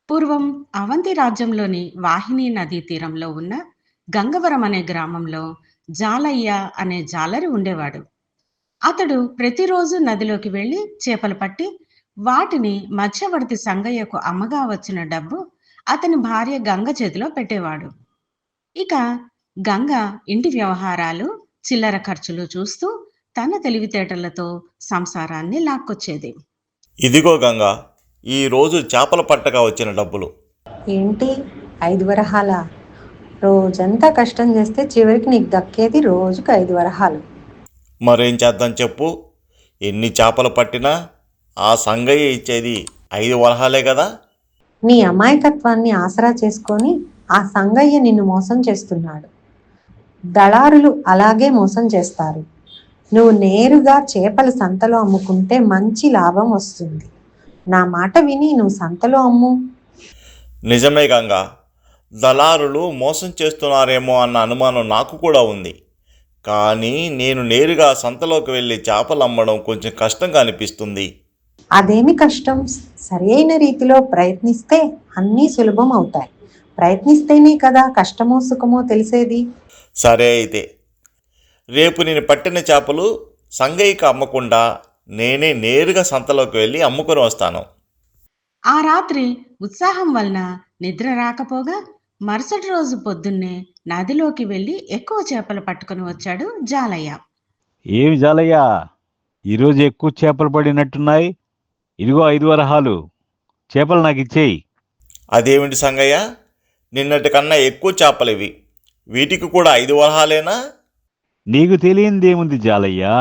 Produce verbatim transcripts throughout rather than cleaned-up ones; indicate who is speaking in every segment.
Speaker 1: పూర్వం అవంతి రాజ్యంలోని వాహిని నదీ తీరంలో ఉన్న గంగవరం అనే గ్రామంలో జాలయ్య అనే జాలరి ఉండేవాడు. అతడు ప్రతిరోజు నదిలోకి వెళ్ళి చేపలు పట్టి వాటిని మధ్యవర్తి సంగయ్యకు అమ్మగా వచ్చిన డబ్బు అతని భార్య గంగ చేతిలో పెట్టేవాడు. ఇక గంగ ఇంటి వ్యవహారాలు, చిల్లర ఖర్చులు చూస్తూ తన తెలివితేటలతో సంసారాన్ని లాక్కొచ్చేది.
Speaker 2: ఇదిగో గంగా, ఈరోజు చేపల పట్టగా వచ్చిన డబ్బులు.
Speaker 3: ఏంటి? ఐదు వరహాల? రోజంతా కష్టం చేస్తే చివరికి నీకు దక్కేది రోజుకు ఐదు వరహాలు.
Speaker 2: మరేం చేద్దాం చెప్పు? ఎన్ని చేపలు పట్టినా ఆ సంగయ్య ఇచ్చేది ఐదు వరహాలే కదా.
Speaker 3: నీ అమాయకత్వాన్ని ఆసరా చేసుకొని ఆ సంగయ్య నిన్ను మోసం చేస్తున్నాడు. దళారులు అలాగే మోసం చేస్తారు. నువ్వు నేరుగా చేపల సంతలో అమ్ముకుంటే మంచి లాభం వస్తుంది. నా మాట విని నువ్వు సంతలో అమ్ము.
Speaker 2: నిజమే గంగా, దళారులు మోసం చేస్తున్నారేమో అన్న అనుమానం నాకు కూడా ఉంది. కానీ నేను నేరుగా సంతలోకి వెళ్ళి చేపలు అమ్మడం కొంచెం కష్టంగా అనిపిస్తుంది.
Speaker 3: అదేమి కష్టం? సరి అయిన రీతిలో ప్రయత్నిస్తే అన్నీ సులభం అవుతాయి. ప్రయత్నిస్తేనే కదా కష్టమో సుఖమో తెలిసేది.
Speaker 2: సరే అయితే, రేపు నేను పట్టిన చేపలు సంగయ్యకి అమ్మకుండా నేనే నేరుగా సంతలోకి వెళ్ళి అమ్ముకొని వస్తాను.
Speaker 1: ఆ రాత్రి ఉత్సాహం వలన నిద్ర రాకపోగా మరుసటి రోజు పొద్దున్నే నదిలోకి వెళ్ళి ఎక్కువ చేపలు పట్టుకుని వచ్చాడు జాలయ్య.
Speaker 4: ఏమి జాలయ్యా, ఈరోజు ఎక్కువ చేపలు పడినట్టున్నాయి. ఇదిగో ఐదు వరహాలు, చేపలు నాకు ఇచ్చేయి.
Speaker 2: అదేమిటి సంగయ్య, నిన్నటి కన్నా ఎక్కువ చేపలు ఇవి, వీటికి కూడా ఐదు వరహాలేనా?
Speaker 4: నీకు తెలియందేముంది జాలయ్యా,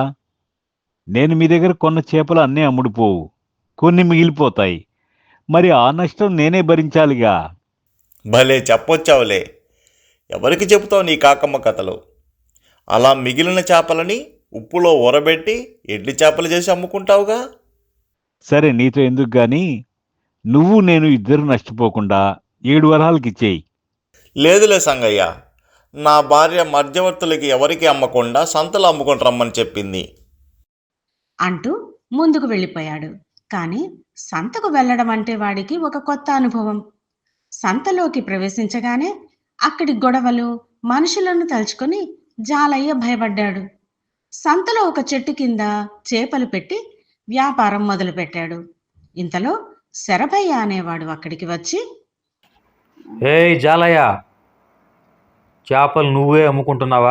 Speaker 4: నేను మీ దగ్గర కొన్న చేపలు అన్నీ అమ్ముడుపోవు, కొన్ని మిగిలిపోతాయి. మరి ఆ నష్టం నేనే భరించాలిగా.
Speaker 2: భలే చెప్పొచ్చావులే. ఎవరికి చెబుతావు నీ కాకమ్మ కథలు? అలా మిగిలిన చేపలని ఉప్పులో ఊరబెట్టి ఎడ్లి చేపలు చేసి అమ్ముకుంటావుగా.
Speaker 4: సరే, నీతో ఎందుకు గాని, నువ్వు నేను ఇద్దరు నష్టపోకుండా ఏడు వరహాలకి ఇచ్చేయి.
Speaker 2: లేదులే సంగయ్య, నా భార్య మధ్యవర్తులకి ఎవరికి అమ్మకుండా సంతలో అమ్ముకొని రమ్మని చెప్పింది
Speaker 1: అంటూ ముందుకు వెళ్ళిపోయాడు. కానీ సంతకు వెళ్ళడం అంటే వాడికి ఒక కొత్త అనుభవం. సంతలోకి ప్రవేశించగానే అక్కడి గొడవలు, మనుషులను తలుచుకొని జాలయ్య భయపడ్డాడు. సంతలో ఒక చెట్టు కింద చేపలు పెట్టి వ్యాపారం మొదలుపెట్టాడు. ఇంతలో శరభయ్య అనేవాడు అక్కడికి వచ్చి,
Speaker 5: ఏయ్ జాలయ్య, చేపలు నువ్వే అమ్ముకుంటున్నావా?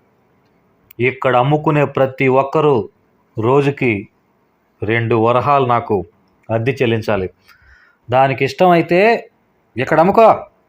Speaker 5: ఇక్కడ అమ్ముకునే ప్రతి ఒక్కరూ రోజుకి రెండు వరహాలు నాకు అద్దె చెల్లించాలి. దానికి ఇష్టమైతే ఇక్కడ అమ్ముకో.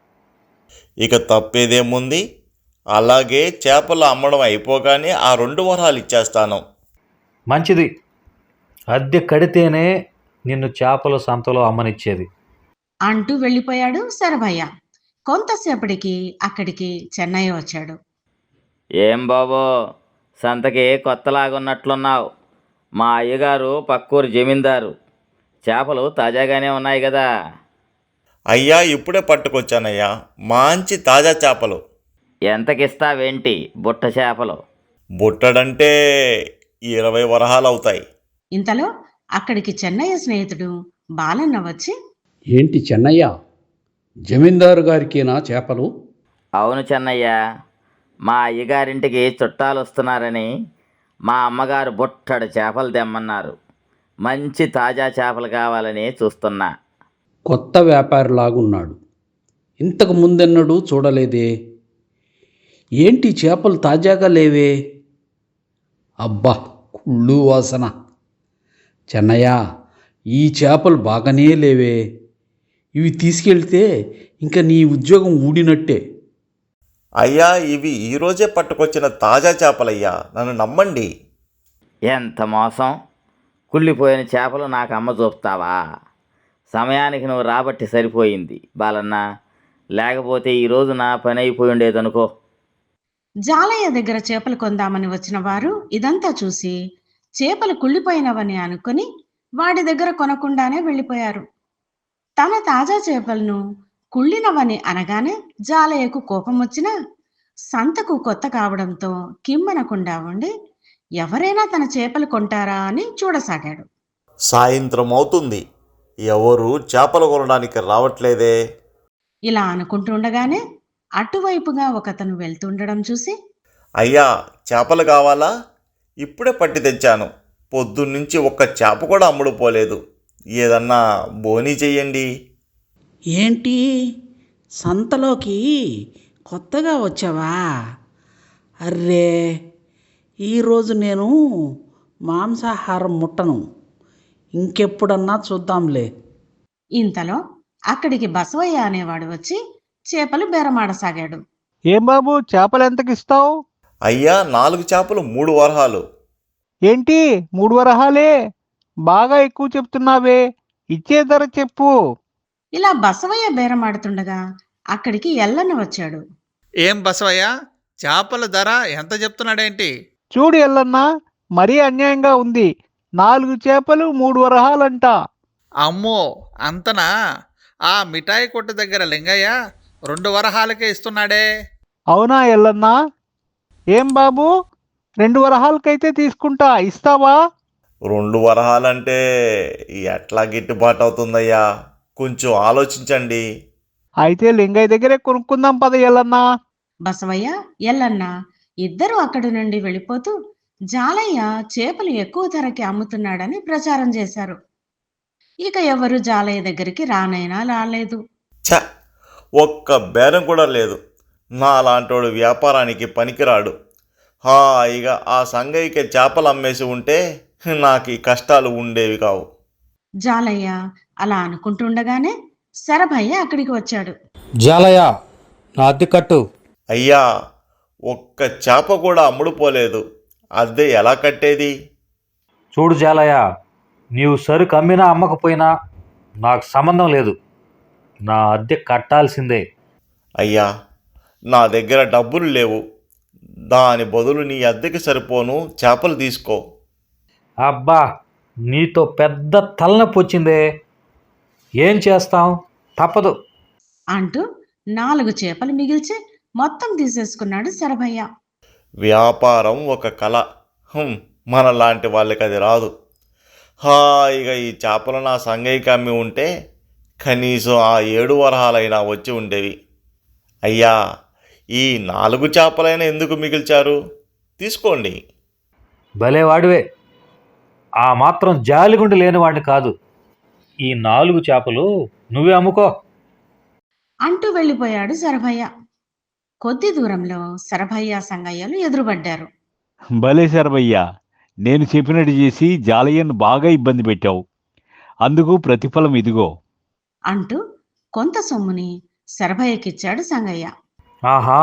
Speaker 2: ఇక తప్పేదేముంది, అలాగే చేపలు అమ్మడం అయిపోగానే ఆ రెండు వరహాలు ఇచ్చేస్తాను.
Speaker 5: మంచిది, అద్దె కడితేనే నిన్ను చేపల సంతలో అమ్మనిచ్చేది
Speaker 1: అంటూ వెళ్ళిపోయాడు శరభయ్య. కొంతసేపటికి అక్కడికి చెన్నయ్య వచ్చాడు.
Speaker 6: ఏం బాబో, సంతకి కొత్తలాగున్నట్లున్నావు. మా అయ్యగారు పక్కూరు జమీందారు. చేపలు తాజాగానే ఉన్నాయి కదా.
Speaker 2: అయ్యా, ఇప్పుడే పట్టుకొచ్చానయ్యా, మంచి తాజా చేపలు.
Speaker 6: ఎంతకిస్తావేంటి బుట్ట చేపలు?
Speaker 2: బుట్టడంటే ఇరవై వరహాలు అవుతాయి.
Speaker 1: ఇంతలో అక్కడికి చెన్నయ్య స్నేహితుడు బాలన్న వచ్చి,
Speaker 7: ఏంటి చెన్నయ్య, జమీందారు గారికేనా చేపలు?
Speaker 6: అవును చెన్నయ్య, మా అయ్యగారింటికి చుట్టాలు వస్తున్నారని మా అమ్మగారు బుట్టడు చేపలు తెమ్మన్నారు. మంచి తాజా చేపలు కావాలని చూస్తున్నా.
Speaker 7: కొత్త వ్యాపారిలాగున్నాడు, ఇంతకు ముందెన్నడూ చూడలేదే. ఏంటి చేపలు తాజాగా లేవే? అబ్బా, కుళ్ళు వాసన. చెన్నయ్య, ఈ చేపలు బాగానే లేవే. ఇవి తీసుకెళ్తే ఇంకా నీ ఉద్యోగం ఊడినట్టే.
Speaker 2: అయ్యా, ఇవి ఈరోజే పట్టుకొచ్చిన తాజా చేపలయ్యా, నన్ను నమ్మండి.
Speaker 6: ఎంత మోసం! కుళ్ళిపోయిన చేపలు నాకు అమ్మ చూపుతావా? సమయానికి నువ్వు రాబట్టి సరిపోయింది బాలన్న, లేకపోతే ఈరోజు నా పని అయిపోయి ఉండేదనుకో.
Speaker 1: జాలయ్య దగ్గర చేపలు కొందామని వచ్చిన వారు ఇదంతా చూసి చేపలు కుళ్ళిపోయినవని అనుకుని వాడి దగ్గర కొనకుండానే వెళ్ళిపోయారు. తన తాజా చేపలను కుళ్ళినవని అనగానే జాలయ్యకు కోపం వచ్చినా సంతకు కొత్త కావడంతో కిమ్మనకుండా ఉండి ఎవరైనా తన చేపలు కొంటారా అని చూడసాగాడు.
Speaker 2: సాయంత్రం అవుతుంది. ఎవరు చేపలు కొనడానికి రావట్లేదే.
Speaker 1: ఇలా అనుకుంటుండగానే అటువైపుగా ఒకతను వెళ్తుండడం చూసి,
Speaker 2: అయ్యా, చేపలు కావాలా? ఇప్పుడే పట్టి తెచ్చాను. పొద్దున్నుంచి ఒక్క చేప కూడా అమ్ముడు పోలేదు. ఏదన్నా బోనీ చెయ్యండి.
Speaker 8: ఏంటి, సంతలోకి కొత్తగా వచ్చావా? అర్రే, ఈరోజు నేను మాంసాహారం ముట్టను. ఇంకెప్పుడన్నా చూద్దాంలే.
Speaker 1: ఇంతలో అక్కడికి బసవయ్య అనేవాడు వచ్చి చేపలు బేరమాడసాగాడు.
Speaker 4: ఏం బాబు, చేపలు ఎంతకిస్తావు?
Speaker 2: అయ్యా, నాలుగు చేపలు మూడు వరహాలు.
Speaker 4: ఏంటి, మూడు వరహాలే? బాగా ఎక్కువ చెప్తున్నావే. ఇచ్చే ధర చెప్పు.
Speaker 1: ఇలా బసవయ్య బేరమాడుతుండగా అక్కడికి ఎల్లన్న వచ్చాడు.
Speaker 9: ఏం బసవయ్య, చేపల ధర ఎంత చెప్తున్నాడేంటి?
Speaker 4: చూడు ఎల్లన్నా, మరీ అన్యాయంగా ఉంది. నాలుగు చేపలు మూడు వరహాలంట.
Speaker 9: అమ్మో, అంతనా? ఆ మిఠాయి కొట్టు దగ్గర లింగయ్య రెండు వరహాలకే ఇస్తున్నాడే.
Speaker 4: అవునా ఎల్లన్నా? ఏం బాబు, రెండు వరహాలకైతే తీసుకుంటా, ఇస్తావా?
Speaker 2: రెండు వరహాలంటే ఎట్లా గిట్టుబాటు అవుతుందయ్యా? కొంచెం ఆలోచించండి.
Speaker 4: అయితే లింగయ్య దగ్గరే కొనుక్కుందాం పద ఎల్లన్నా.
Speaker 1: బసవయ్య, ఎల్లన్న ఇద్దరూ అక్కడి నుండి వెళ్ళిపోతూ జాలయ్య చేపలు ఎక్కువ ధరకి అమ్ముతున్నాడని ప్రచారం చేశారు. ఇక ఎవరు జాలయ్య దగ్గరికి రానైనా రాలేదు.
Speaker 2: ఛ, ఒక్క బేరం కూడా లేదు. నా లాంటోడు వ్యాపారానికి పనికిరాడు. హాయిగా ఆ సంగయ్యకి చేపలు అమ్మేసి ఉంటే నాకు ఈ కష్టాలు ఉండేవి కావు.
Speaker 1: జాలయ్య అలా అనుకుంటుండగానే శరభయ్య అక్కడికి వచ్చాడు.
Speaker 5: జాలయ్య, నా అద్దె కట్టు.
Speaker 2: అయ్యా, ఒక్క చేప కూడా అమ్ముడు పోలేదు. అద్దె ఎలా కట్టేది?
Speaker 5: చూడు జాలయ్య, నీవు సరుకు అమ్మినా అమ్మకపోయినా నాకు సంబంధం లేదు. నా అద్దె కట్టాల్సిందే.
Speaker 2: అయ్యా, నా దగ్గర డబ్బులు లేవు. దాని బదులు నీ అద్దెకి సరిపోను చేపలు తీసుకో.
Speaker 5: అబ్బా, నీతో పెద్ద తలనొప్పి వచ్చిందే. ఏం చేస్తాం, తప్పదు.
Speaker 1: అంటూ నాలుగు చేపలు మిగిల్చి మొత్తం తీసేసుకున్నాడు శరభయ్య.
Speaker 2: వ్యాపారం ఒక కళ. హుం, మనలాంటి వాళ్ళకి అది రాదు. హాయిగా ఈ చేపలు నా సంగయ్యకి అమ్మి ఉంటే కనీసం ఆ ఏడు వరహాలైనా వచ్చి ఉండేవి. అయ్యా, ఈ నాలుగు చేపలైనా ఎందుకు మిగిల్చారు? తీసుకోండి.
Speaker 5: భలేవాడివే. ఆ మాత్రం జాలిగుండి లేనివాడిని కాదు. ఈ నాలుగు చేపలు నువ్వే అమ్ముకో.
Speaker 1: అంటూ వెళ్ళిపోయాడు శరభయ్య. కొద్ది దూరంలో శరభయ్య సంగయ్యలు ఎదురుపడ్డారు.
Speaker 4: భలే శరభయ్య, నేను చెప్పినట్టు చేసి జాలయ్యను బాగా ఇబ్బంది పెట్టావు. అందుకు ప్రతిఫలం ఇదిగో.
Speaker 1: అంటూ కొంత సొమ్ముని శరభయ్యకిచ్చాడు సంగయ్య.
Speaker 5: ఆహా,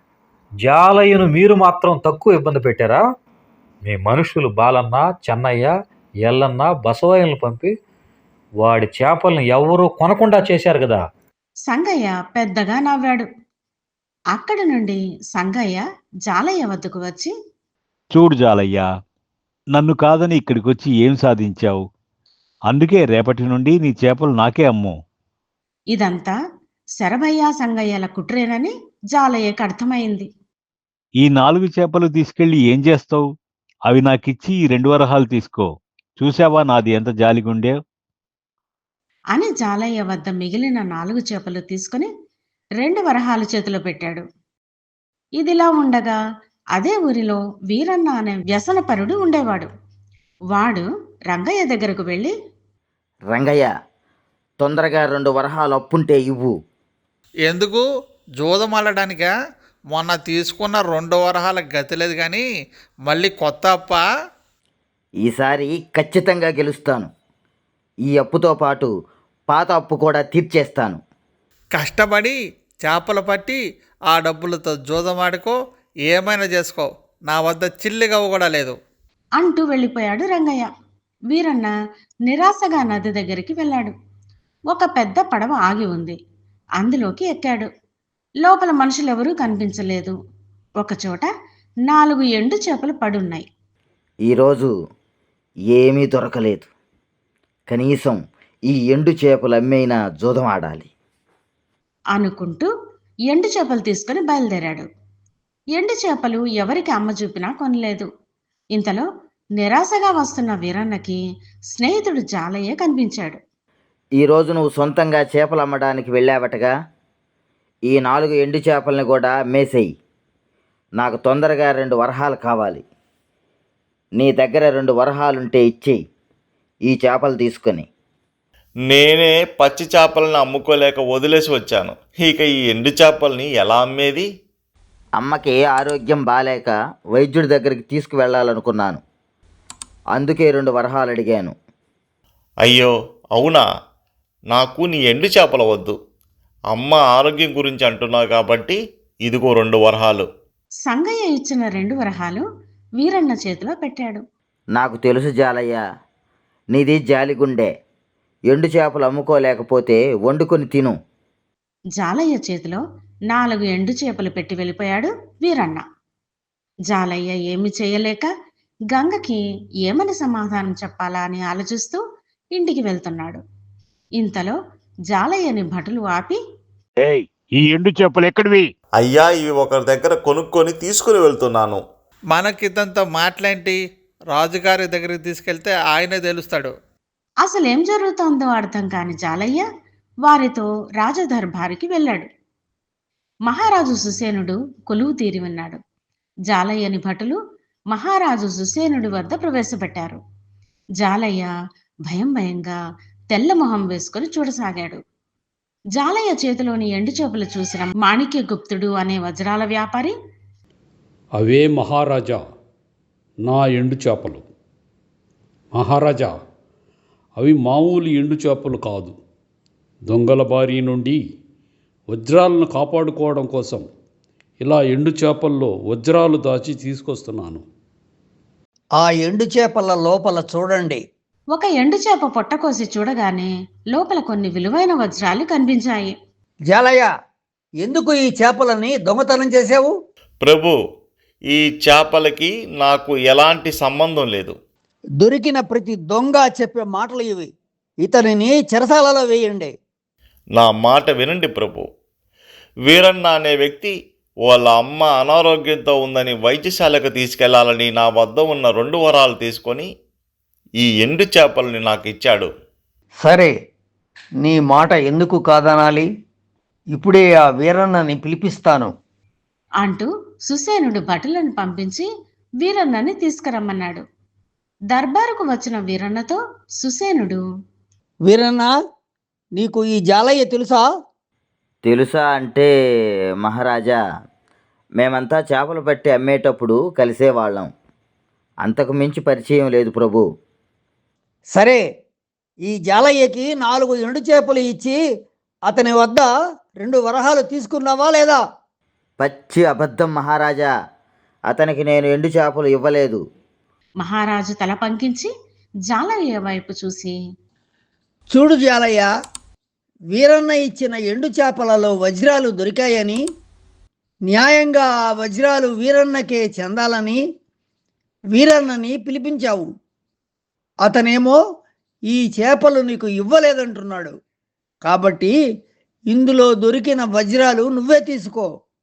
Speaker 5: జాలయ్యను మీరు మాత్రం తక్కువ ఇబ్బంది పెట్టారా? మీ మనుషులు బాలన్న, చెన్నయ్య, ఎల్లన్న, బసవయ్యలను పంపి వాడి చేపలను ఎవరూ కొనకుండా చేశారు కదా.
Speaker 1: సంగయ్య పెద్దగా నవ్వాడు. అక్కడి నుండి సంగయ్య జాలయ్య వద్దకు వచ్చి,
Speaker 4: చూడు జాలయ్య, నన్ను కాదని ఇక్కడికి వచ్చి ఏం సాధించావు? అందుకే రేపటి నుండి నీ చేపలు నాకే అమ్ము.
Speaker 1: ఇదంతా శరభయ్య సంగయ్యల కుట్రేనని జాలయ్యకు అర్థమైంది.
Speaker 4: ఈ నాలుగు చేపలు తీసుకెళ్లి ఏం చేస్తావు? అవి నాకిచ్చి ఈ రెండు వరహాలు తీసుకో. చూసావా నాది ఎంత జాలిగుండే?
Speaker 1: అని జాలయ్య వద్ద మిగిలిన నాలుగు చేపలు తీసుకుని రెండు వరహాలు చేతిలో పెట్టాడు. ఇదిలా ఉండగా అదే ఊరిలో వీరన్న అనే వ్యసనపరుడు ఉండేవాడు. వాడు రంగయ్య దగ్గరకు వెళ్ళి,
Speaker 6: రంగయ్య, తొందరగా రెండు వరహాలు అప్పుంటే ఇవ్వు.
Speaker 9: ఎందుకు? జూదమల్లడానికా? మొన్న తీసుకున్న రెండు వరహాల గతి లేదు కానీ మళ్ళీ కొత్త అప్ప?
Speaker 6: ఈసారి ఖచ్చితంగా గెలుస్తాను. ఈ అప్పుతో పాటు పాత అప్పు కూడా తీర్చేస్తాను.
Speaker 9: కష్టపడి చేపలు పట్టి ఆ డబ్బులతో జూదమాడుకో, ఏమైనా చేసుకో. నా వద్ద చిల్లిగవ్వ కూడా లేదు.
Speaker 1: అంటూ వెళ్ళిపోయాడు రంగయ్య. వీరన్న నిరాశగా నది దగ్గరికి వెళ్ళాడు. ఒక పెద్ద పడవ ఆగి ఉంది. అందులోకి ఎక్కాడు. లోపల మనుషులెవరూ కనిపించలేదు. ఒకచోట నాలుగు ఎండు చేపలు పడున్నాయి.
Speaker 6: ఈరోజు ఏమీ దొరకలేదు. కనీసం ఈ ఎండు చేపలు అమ్మేనా జూదం ఆడాలి
Speaker 1: అనుకుంటూ ఎండు చేపలు తీసుకుని బయలుదేరాడు. ఎండు చేపలు ఎవరికి అమ్మ చూపినా కొనలేదు. ఇంతలో నిరాశగా వస్తున్న వీరన్నకి స్నేహితుడు జాలయ్య కనిపించాడు.
Speaker 6: ఈరోజు నువ్వు సొంతంగా చేపలు అమ్మడానికి వెళ్ళావటగా. ఈ నాలుగు ఎండు చేపల్ని కూడా మేసేయి. నాకు తొందరగా రెండు వరహాలు కావాలి. నీ దగ్గర రెండు వరహాలుంటే ఇచ్చేయి ఈ చేపలు తీసుకొని.
Speaker 2: నేనే పచ్చి చేపలను అమ్ముకోలేక వదిలేసి వచ్చాను. ఇక ఈ ఎండు చేపల్ని ఎలా అమ్మేది?
Speaker 6: అమ్మకి ఆరోగ్యం బాలేక వైద్యుడి దగ్గరికి తీసుకువెళ్ళాలనుకున్నాను. అందుకే రెండు వరహాలు అడిగాను.
Speaker 2: అయ్యో అవునా? నాకు నీ ఎండు చేపలు వద్దు. అమ్మ ఆరోగ్యం గురించి అంటున్నావు కాబట్టి ఇదిగో రెండు వరహాలు.
Speaker 1: సంగయ్య ఇచ్చిన రెండు వరహాలు వీరన్న చేతిలో పెట్టాడు.
Speaker 6: నాకు తెలుసు జాలయ్య, నీది జాలిగుండే. ఎండు చేపలు అమ్ముకోలేకపోతే వండుకొని తిను.
Speaker 1: జాలయ్య చేతిలో నాలుగు ఎండు చేపలు పెట్టి వెళ్ళిపోయాడు వీరన్న. జాలయ్య ఏమి చేయలేక గంగకి ఏమని సమాధానం చెప్పాలా అని ఆలోచిస్తూ ఇంటికి వెళ్తున్నాడు. ఇంతలో జాలయ్యని భటులు ఆపి,
Speaker 4: ఏయ్, ఈ ఎండు చేపలు ఎక్కడివి?
Speaker 2: అయ్యా, ఇవి ఒకరి దగ్గర కొనుక్కొని తీసుకుని వెళ్తున్నాను.
Speaker 9: మనకిదంతా మాటలేంటి? రాజుగారి దగ్గరికి తీసుకెళ్తే ఆయనే తెలుస్తాడు.
Speaker 1: అసలేం జరుగుతోందో అర్థం కాని జాలయ్య వారితో రాజదర్బారికి వెళ్ళాడు. మహారాజు సుసేనుడు కొలువు తీరి ఉన్నాడు. జాలయ్యని భటులు మహారాజు సుసేనుడి వద్ద ప్రవేశపెట్టారు. జాలయ్య భయం భయంగా తెల్లమొహం వేసుకొని చూడసాగాడు. జాలయ్య చేతిలోని ఎండు చేపలు చూసిన మాణిక్య గుప్తుడు అనే వజ్రాల వ్యాపారి,
Speaker 7: అవే మహారాజా నా ఎండు చేపలు. మహారాజా, అవి మామూలు ఎండు చేపలు కాదు. దొంగల బారి నుండి వజ్రాలను కాపాడుకోవడం కోసం ఇలా ఎండు చేపల్లో వజ్రాలు దాచి తీసుకొస్తున్నాను.
Speaker 10: ఆ ఎండు చేపల లోపల చూడండి.
Speaker 1: ఒక ఎండు చేప పొట్టకోసి చూడగానే లోపల కొన్ని విలువైన వజ్రాలు కనిపించాయి.
Speaker 10: జాలయ్య, ఎందుకు ఈ చేపలని దొంగతనం చేశావు?
Speaker 2: ప్రభు, ఈ చేపలకి నాకు ఎలాంటి సంబంధం లేదు.
Speaker 10: దొరికిన ప్రతి దొంగ చెప్పే మాటలు ఇవి. ఇతనిని చెరసాలలో వేయండి.
Speaker 2: నా మాట వినండి ప్రభు. వీరన్న అనే వ్యక్తి వాళ్ళ అమ్మ అనారోగ్యంతో ఉందని వైద్యశాలకు తీసుకెళ్లాలని నా వద్ద ఉన్న రెండు వరాలు తీసుకొని ఈ ఎండు చేపల్ని నాకు ఇచ్చాడు.
Speaker 10: సరే, నీ మాట ఎందుకు కాదనాలి? ఇప్పుడే ఆ వీరన్నని పిలిపిస్తాను
Speaker 1: అంటూ సుసేనుడు భటులను పంపించి వీరన్నని తీసుకురమ్మన్నాడు. దర్బారుకు వచ్చిన వీరన్నతో సుసేనుడు,
Speaker 10: వీరన్న, నీకు ఈ జాలయ్య తెలుసా?
Speaker 6: తెలుసా అంటే మహారాజా, మేమంతా చేపలు పట్టి అమ్మేటప్పుడు కలిసేవాళ్ళం. అంతకు మించి పరిచయం లేదు ప్రభు.
Speaker 10: సరే, ఈ జాలయ్యకి నాలుగు ఎండు చేపలు ఇచ్చి అతని వద్ద రెండు వరహాలు తీసుకున్నావా లేదా?
Speaker 6: పచ్చి అబద్ధం మహారాజా, అతనికి నేను ఎండు చేపలు ఇవ్వలేదు.
Speaker 1: మహారాజు తల పంకించి జాలయ్య వైపు చూసి,
Speaker 10: చూడు జాలయ్య, వీరన్న ఇచ్చిన ఎండు చేపలలో వజ్రాలు దొరికాయని, న్యాయంగా ఆ వజ్రాలు వీరన్నకే చెందాలని వీరన్నని పిలిపించావు. అతనేమో ఈ చేపలు నీకు ఇవ్వలేదంటున్నాడు. కాబట్టి ఇందులో దొరికిన వజ్రాలు నువ్వే తీసుకో.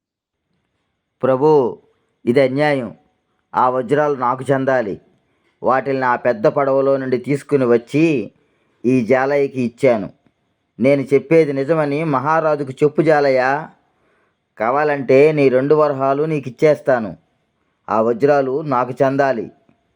Speaker 6: ప్రభు, ఇది అన్యాయం. ఆ వజ్రాలు నాకు చెందాలి. వాటిని నా పెద్ద పడవలో నుండి తీసుకుని వచ్చి ఈ జాలయ్యకి ఇచ్చాను. నేను చెప్పేది నిజమని మహారాజుకు చెప్పు జాలయ్య. కావాలంటే నీ రెండు వరహాలు నీకు ఇచ్చేస్తాను. ఆ వజ్రాలు నాకు చెందాలి.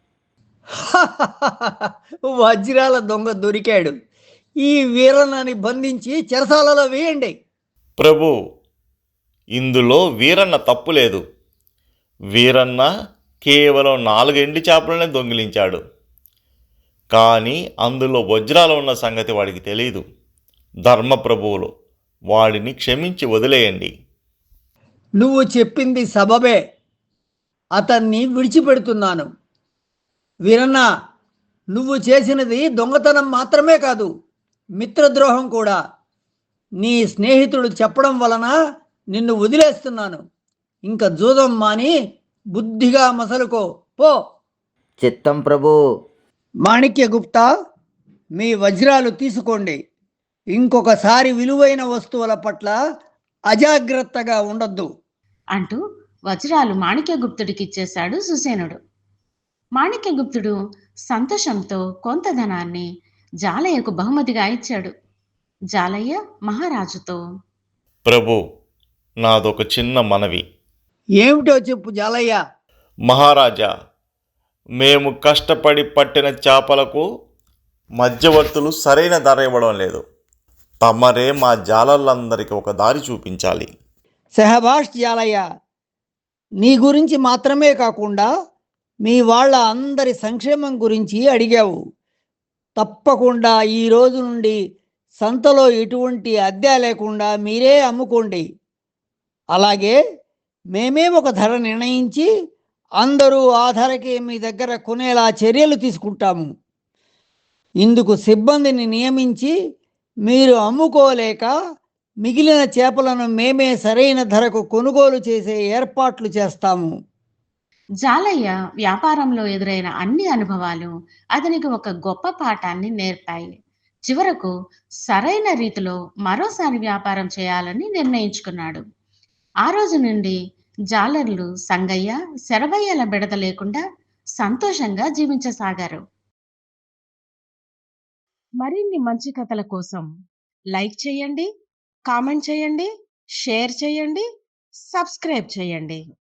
Speaker 10: వజ్రాల దొంగ దొరికాడు. ఈ వీరన్నని బంధించి చెరసాలలో వేయండి.
Speaker 2: ప్రభు, ఇందులో వీరన్న తప్పు లేదు. వీరన్న కేవలం నాలుగు ఎండి చేపలనే దొంగిలించాడు. కానీ అందులో వజ్రాలు ఉన్న సంగతి వాడికి తెలియదు. ధర్మప్రభువులు, వాడిని క్షమించి వదిలేయండి.
Speaker 10: నువ్వు చెప్పింది సబబే. అతన్ని విడిచిపెడుతున్నాను. వీరన్న, నువ్వు చేసినది దొంగతనం మాత్రమే కాదు, మిత్రద్రోహం కూడా. నీ స్నేహితుడు చెప్పడం వలన నిన్ను వదిలేస్తున్నాను. ఇంకా జూదం మాని బుద్ధిగా మసలుకో పో.
Speaker 6: చిత్తం ప్రభు.
Speaker 10: మాణిక్య గుప్తా, మీ వజ్రాలు తీసుకోండి. ఇంకొకసారి విలువైన వస్తువుల పట్ల అజాగ్రత్తగా ఉండొద్దు
Speaker 1: అంటూ వజ్రాలు మాణిక్యగుప్తుడికి ఇచ్చేశాడు సుసేనుడు. మాణిక్య గుప్తుడు సంతోషంతో కొంత ధనాన్ని జాలయ్యకు బహుమతిగా ఇచ్చాడు. జాలయ్య మహారాజుతో,
Speaker 2: ప్రభు, నాదొక చిన్న మనవి.
Speaker 10: ఏమిటో చెప్పు జాలయ్య.
Speaker 2: మహారాజా, మేము కష్టపడి పట్టిన చేపలకు మధ్యవర్తులు సరైన ధర ఇవ్వడం లేదు. తమరే మా జాలర్లందరికీ ఒక దారి చూపించాలి.
Speaker 10: సెహబాష్ జాలయ్య, నీ గురించి మాత్రమే కాకుండా మీ వాళ్ళ అందరి సంక్షేమం గురించి అడిగావు. తప్పకుండా ఈ రోజు నుండి సంతలో ఎటువంటి అద్దె లేకుండా మీరే అమ్ముకోండి. అలాగే మేమే ఒక ధర నిర్ణయించి అందరూ ఆ ధరకే మీ దగ్గర కొనేలా చర్యలు తీసుకుంటాము. ఇందుకు సిబ్బందిని నియమించి మీరు అమ్ముకోలేక మిగిలిన చేపలను మేమే సరైన ధరకు కొనుగోలు చేసే ఏర్పాట్లు చేస్తాము.
Speaker 1: జాలయ్య వ్యాపారంలో ఎదురైన అన్ని అనుభవాలు అతనికి ఒక గొప్ప పాఠాన్ని నేర్పాయి. చివరకు సరైన రీతిలో మరోసారి వ్యాపారం చేయాలని నిర్ణయించుకున్నాడు. ఆ రోజు నుండి జాలర్లు సంగయ్య, శరభయ్యల బెడద లేకుండా సంతోషంగా జీవించసాగారు. మరిన్ని మంచి కథల కోసం లైక్ చేయండి, కామెంట్ చేయండి, షేర్ చేయండి, సబ్స్క్రైబ్ చేయండి.